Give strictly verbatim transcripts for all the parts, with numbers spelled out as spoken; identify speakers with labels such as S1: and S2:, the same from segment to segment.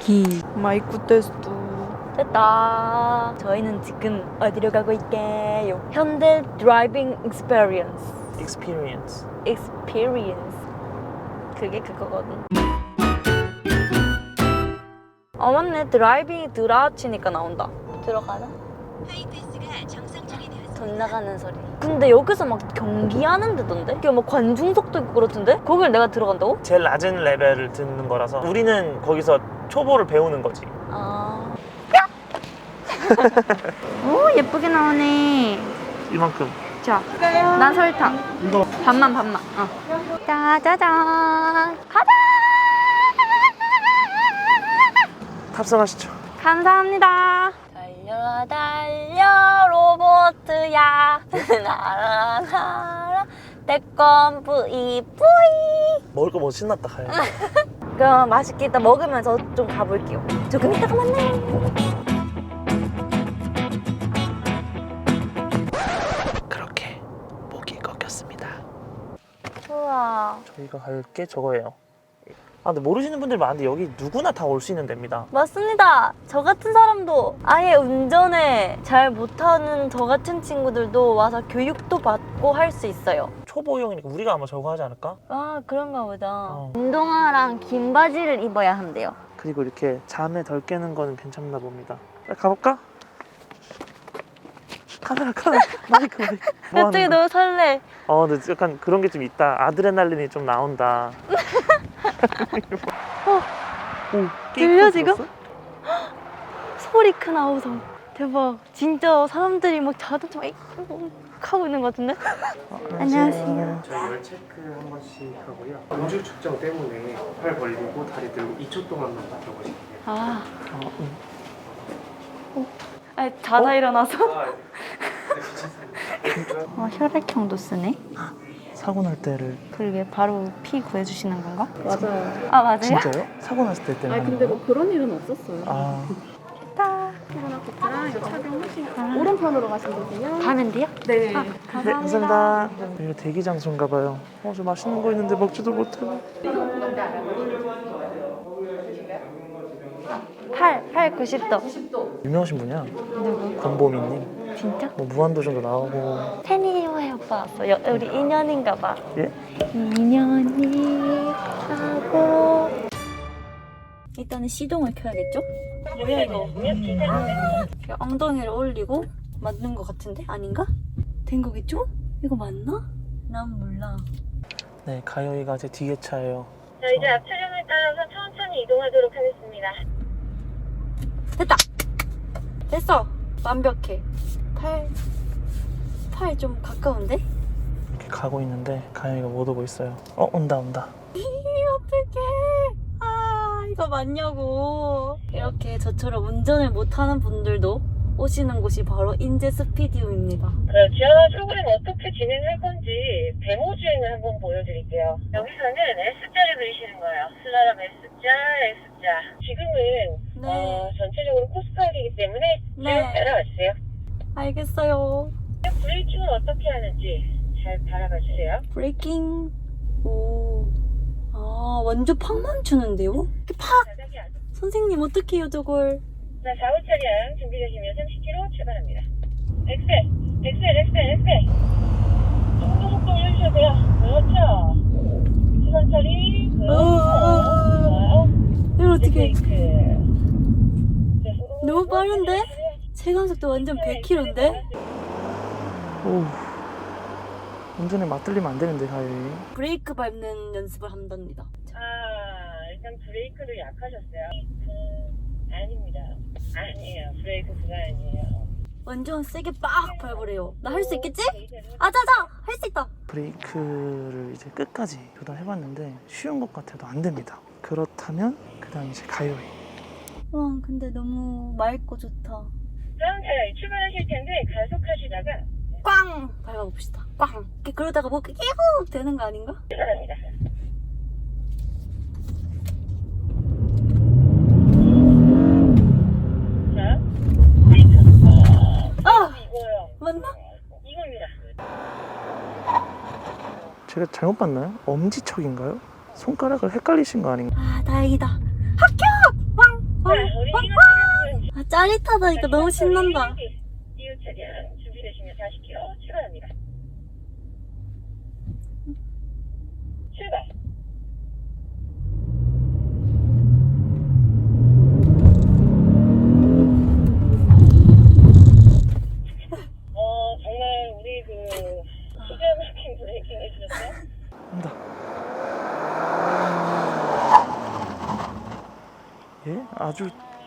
S1: 비 마이크 테스트 됐다. 저희는 지금 어디로 가고 있게요? 현대 드라이빙 익스피리언스
S2: experience.
S1: experience 그게 그거거든. 어 맞네. 드라이빙이 드라치니까 나온다. 들어가나? 돈 나가는 소리. 근데 여기서 막 경기하는 데던데? 이게 막 관중석도 있고 그렇던데? 거길 내가 들어간다고?
S2: 제일 낮은 레벨을 듣는 거라서 우리는 거기서 초보를 배우는 거지.
S1: 아. 오 예쁘게 나오네.
S2: 이만큼.
S1: 자, 난 설탕.
S2: 이거
S1: 반만 반만. 어. 짜자잔. 가자.
S2: 탑승하시죠.
S1: 감사합니다. 달려 달려 로봇야 날아 날아 대껌 뿌이 뿌이.
S2: 먹을 거 뭐 신났다 가요.
S1: 그럼 맛있게 이따 먹으면서 좀 가볼게요. 조금 이따가 만나요.
S2: 그렇게 목이 꺾였습니다.
S1: 우와.
S2: 저희가 갈 게 저거예요. 아 근데 모르시는 분들 많은데 여기 누구나 다 올 수 있는 데입니다.
S1: 맞습니다. 저 같은 사람도 아예 운전을 잘 못하는 저 같은 친구들도 와서 교육도 받고 할 수 있어요.
S2: 초보용이니까 우리가 아마 저거 하지 않을까?
S1: 아 그런가 보다.
S2: 어.
S1: 운동화랑 긴 바지를 입어야 한대요.
S2: 그리고 이렇게 잠에 덜 깨는 거는 괜찮나 봅니다. 자, 가볼까? 카메라 카메라 마이크 마이크 뭐
S1: 갑자기
S2: 하는 거야?
S1: 너무 설레.
S2: 어 근데 약간 그런 게 좀 있다. 아드레날린이 좀 나온다.
S1: 어,
S2: 오,
S1: 들려, 지금?
S2: 들었어?
S1: 소리 큰 아우성. 대박. 진짜 사람들이 막 자동차 막 이렇게 하고 있는 것 같은데?
S2: 어,
S1: 안녕하세요.
S3: 저희 열 체크 한 번씩 하고요. 음주 측정 때문에 팔 벌리고 다리 들고 이 초 동안만 버텨보시면 돼요.
S1: 아,
S2: 어, 응.
S1: 아니, 자다 일어나서.
S3: 아, 네, 괜찮습니다.
S1: 어, 혈액형도 쓰네.
S2: 사고 날 때를.
S1: 그러게 바로 피 구해주시는 건가?
S4: 맞아요.
S1: 아 맞아요?
S2: 진짜요? 사고 났을 때 때문에
S4: 아니 근데 뭐 그런 일은 없었어요.
S2: 아
S1: 됐다.
S4: 코로나 코트랑 이거 착용하시고 오른편으로 가시면 되세요.
S1: 가면 돼요?
S4: 네.
S1: 아,
S2: 네,
S1: 감사합니다.
S2: 감사합니다. 이거 대기 장소인가 봐요. 어, 저 맛있는 거 있는데 먹지도 못하고.
S1: 팔, 팔 구십 도.
S2: 유명하신 분이야.
S1: 누구?
S2: 권보미님.
S1: 진짜?
S2: 뭐 무한도전도 나오고.
S1: 팬이에요 오빠 왔어. 여, 우리 인연인가 봐.
S2: 예?
S1: 인연이 하고. 일단은 시동을 켜야겠죠? 뭐야 이거? 이렇게 엉덩이를 올리고 맞는 것 같은데? 아닌가? 된 거겠죠? 이거 맞나? 난 몰라.
S2: 네, 가요이가 제 뒤에 차예요.
S5: 자, 이제 앞 차량을 따라서 천천히 이동하도록 하겠습니다.
S1: 됐다! 됐어! 완벽해. 팔, 팔 좀 가까운데?
S2: 이렇게 가고 있는데 가요이가 못 오고 있어요. 어, 온다 온다.
S1: 이 어떡해. 아, 이거 맞냐고. 이렇게 저처럼 운전을 못하는 분들도 오시는 곳이 바로 인제 스피디움입니다.
S5: 그 지하화 프로그램 어떻게 진행할 건지 데모 주행을 한번 보여드릴게요. 여기서는 S자를 그리시는 거예요. 슬라람 S자, S자. 지금은
S1: 네.
S5: 어, 전체적으로 코스파이기 때문에 쭉
S1: 네.
S5: 따라와 주세요.
S1: 알겠어요.
S5: 브레이킹은 어떻게 하는지 잘 바라봐 주세요.
S1: 브레이킹. 오. 아, 완전 팍 멈추는데요? 이렇게 팍!
S5: 자석이 아주
S1: 선생님, 어떡해요, 저걸.
S5: 자, 사 호 차량 준비되시면 삼십 킬로미터 출발합니다. 엑셀, 엑셀, 엑셀, 엑셀. 조금 더 속도 올려주셔도 돼요. 그렇죠. 시선 처리.
S1: 어, 어, 어. 이걸 어떻게.
S5: 브레이크.
S1: 너무 빠른데? 체감속도 완전 백 킬로미터인데?
S2: 오. 운전에 맞들리면 안 되는데 가요이.
S1: 브레이크 밟는 연습을 한답니다.
S5: 아, 일단 브레이크를 약하셨어요. 브레이크 아닙니다. 아니에요. 브레이크 그거 아니에요.
S1: 완전 세게 빡 밟으래요. 나 할 수 있겠지? 아자자! 할 수 있다!
S2: 브레이크를 이제 끝까지 조달해봤는데 쉬운 것 같아도 안 됩니다. 그렇다면 그 다음 이제 가요이.
S1: 와, 근데 너무 맑고 좋다.
S5: 다음 차량이 출발하실 텐데 가속하시다가
S1: 꽝! 밟아봅시다. 꽝! 이렇게 그러다가 뭐 깨고 되는 거 아닌가?
S5: 출발합니다. 자, 브레이크.
S1: 아!
S5: 이거요.
S1: 맞나?
S5: 이겁니다.
S2: 제가 잘못 봤나요? 엄지척인가요? 손가락을 헷갈리신 거 아닌가?
S1: 아, 다행이다. 합격! 왕!
S5: 자, 우리 이웃 차량은
S1: 아, 짜릿하다. 이거 너무 신난다.
S5: 이웃 차량 준비되시면 사십 킬로미터 출발합니다. 출발. 어, 정말 우리 그 기가 막힌 브레이킹 해주셨어요?
S2: 간다. 예? 아주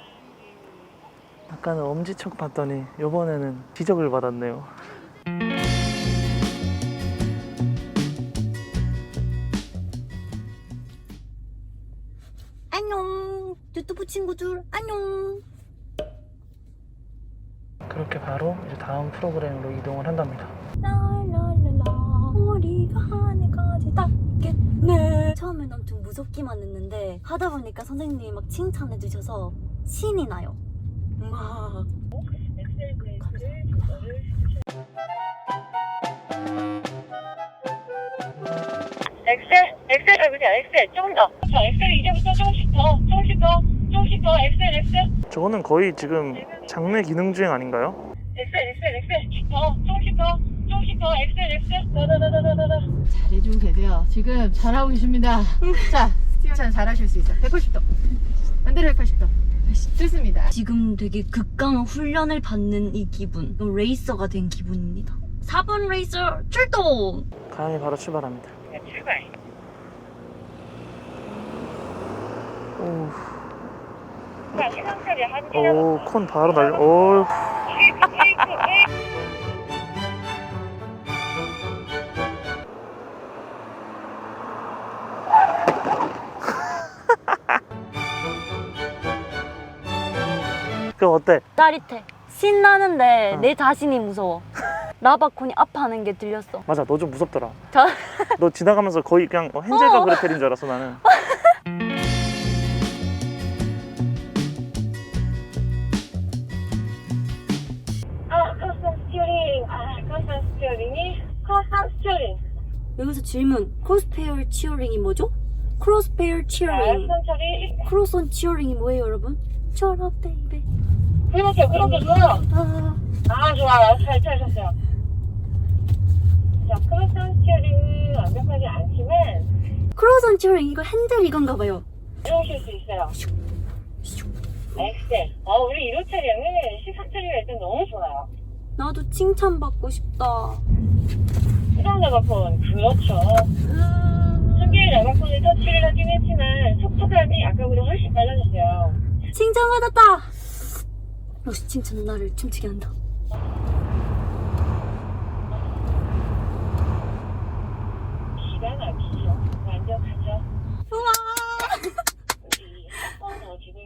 S2: 아까는 엄지척 봤더니 이번에는 지적을 받았네요.
S1: 안녕. 유튜브 친구들 안녕.
S2: 그렇게 바로 이제 다음 프로그램으로 이동을 한답니다.
S1: 라라라라 우리가 하늘까지 닿겠네. 처음엔 엄청 무섭기만 했는데 하다 보니까 선생님이 막 칭찬해 주셔서 신이 나요. 막
S5: 엑셀 브레이크를 조절을 엑셀, 엑셀, 아, 그냥 엑셀, 조금 더. 자, 엑셀 이제부터 조금씩 더, 조금씩 더, 조금씩 더, 엑셀, 엑셀.
S2: 저거는 거의 지금 장내 기능 주행 아닌가요?
S5: 엑셀, 엑셀, 엑셀. 더, 조금씩 더, 조금씩 더, 엑셀, 엑셀. 더더더더더더.
S4: 잘해주고 계세요. 지금 잘하고 계십니다. 자, 스티어찬 잘하실 수 있어요. 백팔십 도. 반대로 백팔십 도. 좋습니다.
S1: 지금 되게 극강한 훈련을 받는 이 기분, 레이서가 된 기분입니다. 사 번 레이서 출동!
S2: 가영이 바로 출발합니다.
S5: 자, 출발.
S2: 오,
S5: 자, 시상차례 한 개
S2: 오,
S5: 남았어.
S2: 콘 바로 날려. 오,
S5: 브레이크, 브레이크.
S2: 그럼 어때?
S1: 짜릿해. 신나는데
S2: 어.
S1: 내 자신이 무서워. 라바콘이 아파하는 게 들렸어.
S2: 맞아, 너 좀 무섭더라.
S1: 저...
S2: 너 지나가면서 거의 그냥 어, 헨젤과
S1: 어.
S2: 그레텔인 줄 알았어 나는.
S5: 아, 커스텀 스티어링. 아, 커스텀 스티어링이 커스텀 스티어링.
S1: 여기서 질문. 크로스페어 치어링이 뭐죠? 크로스페어
S5: 자,
S1: 치어링.
S5: 수상 처리.
S1: 크로스온 치어링이 뭐예요, 여러분? 철업 베이베.
S5: 그렇죠, 그렇게 좋아요.
S1: 아,
S5: 아, 좋아요. 잘 찾으셨어요. 자, 크로스온 스티어링은 완벽하지 않지만
S1: 크로스온 치어링 이거 핸들 이건가 봐요.
S5: 이러실 수 있어요. 엑셀. 어, 우리 일 호 차량은 시상 처리가 일단 너무 좋아요.
S1: 나도 칭찬받고 싶다.
S5: 수동 라바폰. 그렇죠. 준비의 라바폰을 터치를 하긴 했지만 속도감이 아까보다 훨씬 빨라졌어요.
S1: 칭찬받았다. 역시 칭찬은 나를 춤추게 한다.
S5: 기가 막히죠. 완벽하죠.
S1: 우와.
S5: 우리 한번 더 진행.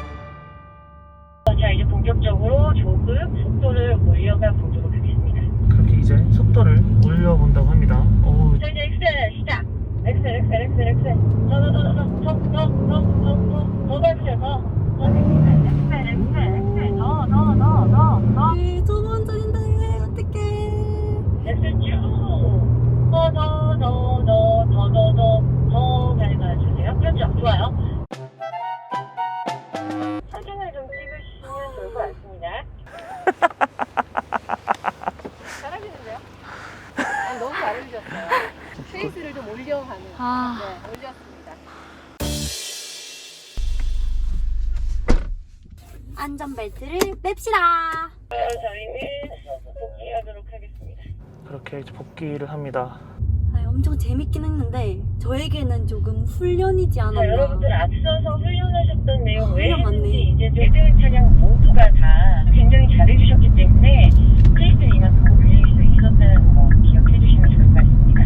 S5: 자, 이제 본격적으로 조금 속도를 올려가 보도록 하겠습니다.
S2: 그렇게 이제 속도를 올려본다고 합니다. 오,
S5: 자, 이제 엑셀 시작. 엑셀, 엑셀, 엑셀, 엑셀. 더, 더, 더, 더, 더, 더, 더, 더, 더, 더 밟으세요, 더. 더 엑셀, 엑셀, 엑셀, 더, 더, 더, 더, 더.
S1: 네, 두 번째인데 어떡해.
S5: 엑셀 쭉. 더, 더, 더, 더, 더, 더, 더, 더 밟아주세요. 그렇죠, 좋아요. 사진을 좀 찍으시면 좋을 것 같습니다.
S4: 잘하시는데요? 아, 너무 잘해주셨어요. 페이스를 좀 올려가는.
S1: 아.
S4: 네, 올렸습니다.
S1: 안전벨트를 맵시다.
S5: 저희는 복귀하도록 하겠습니다.
S2: 그렇게 이제 복귀를 합니다.
S1: 아, 엄청 재밌긴 했는데 저에게는 조금 훈련이지
S5: 자,
S1: 않았나.
S5: 여러분들 앞서서 훈련하셨던 내용
S1: 훈련
S5: 외에
S1: 맞네.
S5: 이제 모든 차량 모두가 다 굉장히 잘해주셨기 때문에 크리스는 이만큼 올릴 수 있었다는 거 기억해 주시면 좋을 것 같습니다.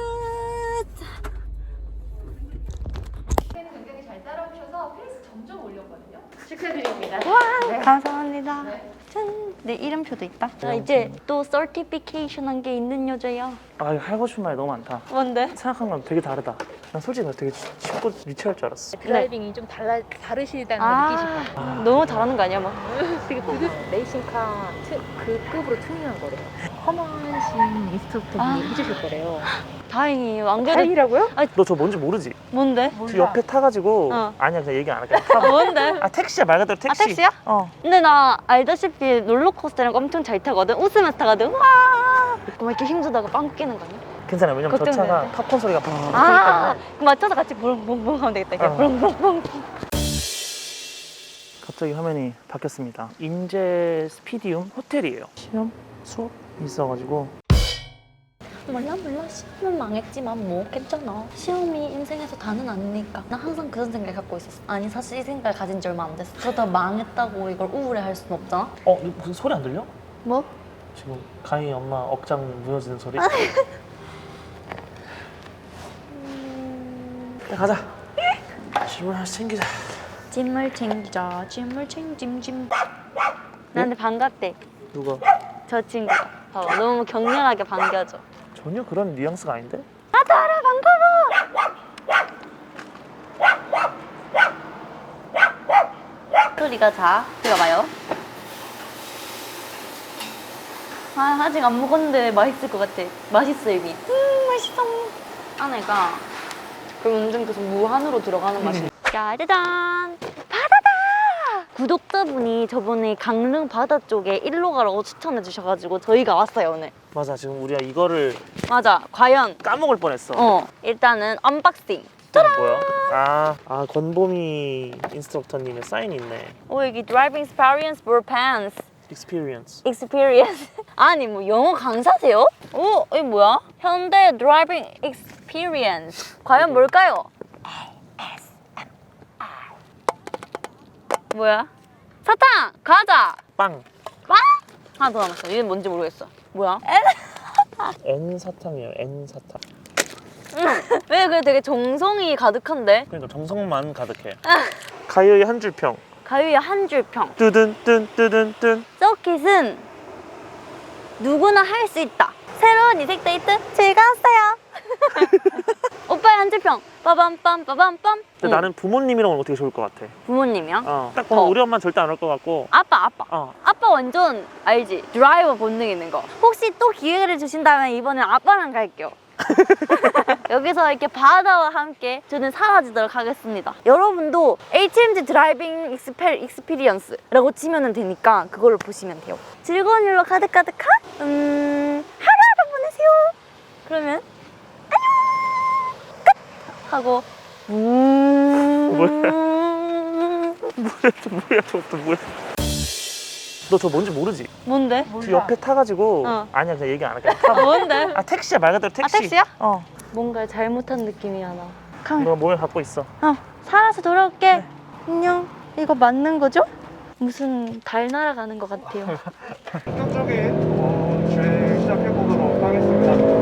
S4: 는 굉장히 잘 따라오셔서 페이스 점점 올렸거든요. 축하드립니다.
S1: 감사합니다.
S4: 네.
S1: 짠! 내 이름표도 있다. 나 이제 또 서티피케이션 한 게 있는 여자야.
S2: 아 이거 하고 싶은 말이 너무 많다.
S1: 뭔데?
S2: 생각한 건 되게 다르다. 난 솔직히 나 되게 쉽고 유치할 줄 알았어.
S4: 드라이빙이 좀 달라 다르시다는 걸
S1: 아,
S4: 느끼시고.
S2: 아.
S1: 너무 잘하는 거 아니야 막?
S4: 되게 부드 레이싱카 트, 그 급으로 튜닝한 거래요. 험한신 인스트럭터분이
S1: 아.
S4: 해주실 거래요.
S1: 다행히 안 그래도
S4: 다행이라고요?
S2: 너 저 뭔지 모르지?
S1: 뭔데?
S2: 저 옆에 타가지고
S1: 어.
S2: 아니야 그냥 얘기 안 할게. 타봐.
S1: 뭔데?
S2: 아 택시야 말 그대로 택시.
S1: 아 택시야?
S2: 어.
S1: 근데 나 알다시피 롤러코스터랑 엄청 잘 타거든. 웃으면서 타거든. 와. 막 이렇게 힘주다가 빵 끼는 거 아니야?
S2: 괜찮아. 왜냐면 저
S1: 걱정되는데?
S2: 차가 팝콘 소리가 펑 크기
S1: 아,
S2: 때문에.
S1: 그럼 맞춰서 같이 붕붕붕 하면 되겠다. 이렇게
S2: 어.
S1: 붕붕붕.
S2: 갑자기 화면이 바뀌었습니다. 인제 스피디움 호텔이에요. 시험 수업 있어가지고
S1: 몰라 몰라 시험은 망했지만 뭐 괜찮아. 시험이 인생에서 다는 아니니까. 나 항상 그런 생각 갖고 있었어. 아니 사실 이 생각 가진 지 얼마 안 됐어. 저다 망했다고 이걸 우울해할 수는 없잖아.
S2: 어 이거 무슨 소리 안 들려?
S1: 뭐?
S2: 지금 가희 엄마 억장 무너지는 소리? 야, 가자. 짐을 하나씩 챙기자.
S1: 짐을 챙기자. 짐을 챙짐짐. 나한테 반갑대.
S2: 누가?
S1: 저 친구. 봐봐 너무 격렬하게 반겨줘.
S2: 전혀 그런 뉘앙스가 아닌데?
S1: 나다라 반가워. 소리가 자 들어봐요. 아 아직 안 먹었는데 맛있을 것 같아. 맛있어 이미. 음 맛있어. 안에가 그 완전 계속 무한으로 들어가는 맛이. 짜자잔 바다다. 구독자분이 저번에 강릉 바다 쪽에 일로 가라고 추천해 주셔가지고 저희가 왔어요 오늘.
S2: 맞아 지금 우리가 이거를
S1: 맞아 과연
S2: 까먹을 뻔했어.
S1: 어 일단은 언박싱.
S2: 이게 뭐야? 아, 아 권보미 인스트럭터님의 사인이 있네.
S1: 오 여기 드라이빙 experience for pants
S2: experience.
S1: experience 아니 뭐 영어 강사세요? 오 이게 뭐야? 현대 드라이빙 experience 과연 뭘까요? 뭐야? 사탕! 과자!
S2: 빵.
S1: 빵? 하나 더 남았어. 이게 뭔지 모르겠어. 뭐야?
S2: N 사탕이에요. N 사탕.
S1: 왜 그게 되게 정성이 가득한데?
S2: 그러니까 정성만 가득해. 가요의 한 줄 평.
S1: 가위에 한 줄 평.
S2: 뜨든 뜬 뜨든 뜬.
S1: 서킷은 누구나 할 수 있다. 새로운 이색 데이트 즐거웠어요. 오빠의 한 줄 평. 빠밤빰 빠밤빰.
S2: 근데
S1: 응.
S2: 나는 부모님이랑 오면 되게 좋을 것 같아.
S1: 부모님이요?
S2: 어. 딱 보면
S1: 어.
S2: 우리 엄마는 절대 안 올 것 같고.
S1: 아빠 아빠.
S2: 어.
S1: 아빠 완전 알지? 드라이버 본능 있는 거. 혹시 또 기회를 주신다면 이번엔 아빠랑 갈게요. 여기서 이렇게 바다와 함께 저는 사라지도록 하겠습니다. 여러분도 에이치엠지 드라이빙 익스페, 익스피리언스라고 치면 되니까 그걸로 보시면 돼요. 즐거운 일로 가득가득한 음, 하루하루 보내세요. 그러면 안녕 끝 하고 음...
S2: 뭐야 또 뭐야 저것도 뭐야. 너 저 뭔지 모르지?
S1: 뭔데?
S2: 저 옆에 타가지고
S1: 어.
S2: 아니야 그냥 얘기 안 할게. 타봐.
S1: 뭔데?
S2: 아 택시야 말 그대로 택시.
S1: 아, 택시야?
S2: 어.
S1: 뭔가 잘못한 느낌이야 나.
S2: 너 몸에 갖고 있어.
S1: 어, 살아서 돌아올게. 안녕. 이거 맞는 거죠? 무슨 달 날아가는 것 같아요.
S3: 본격적인 어, 주행 시작해보도록 하겠습니다.